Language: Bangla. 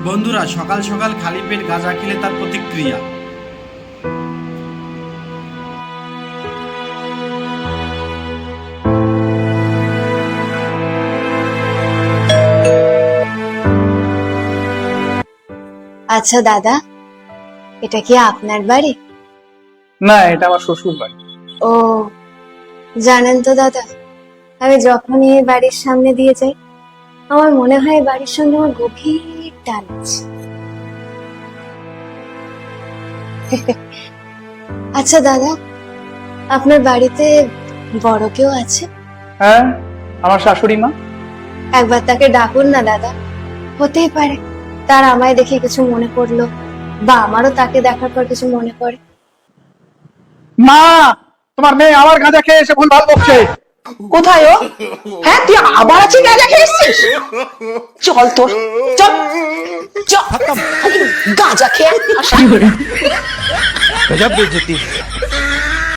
বন্ধুরা, সকাল সকাল খালি পেট গাঁজা খেলে তার প্রতিক্রিয়া। আচ্ছা দাদা, এটা কি আপনার বাড়ি? না, এটা আমার শ্বশুর বাড়ি। ও, জানেন তো দাদা, আমি যখনই এই বাড়ির সামনে দিয়ে যাই আমার মনে হয় এই বাড়ির সঙ্গে আমার গভীর টান আছে। আচ্ছা দাদা, আপনার বাড়িতে বড় কেউ আছে? হ্যাঁ, আমার শাশুড়ি মা। একবার তাকে ডাকুন না দাদা, হতেই পারে তার আমায় দেখে কিছু মনে পড়লো, বা আমারও তাকে দেখার পর কিছু মনে পড়ে। মা, তোমার মেয়ে আমার গাঁজা খেয়ে এসে ভুল ভাল বকছে। কোথায় ও? হ্যাঁ, তুই আবার আছি গাঁজা খেয়েছিস? চল তোর, চল চল, গাঁজা খেয়ে गजब बेइज्जती।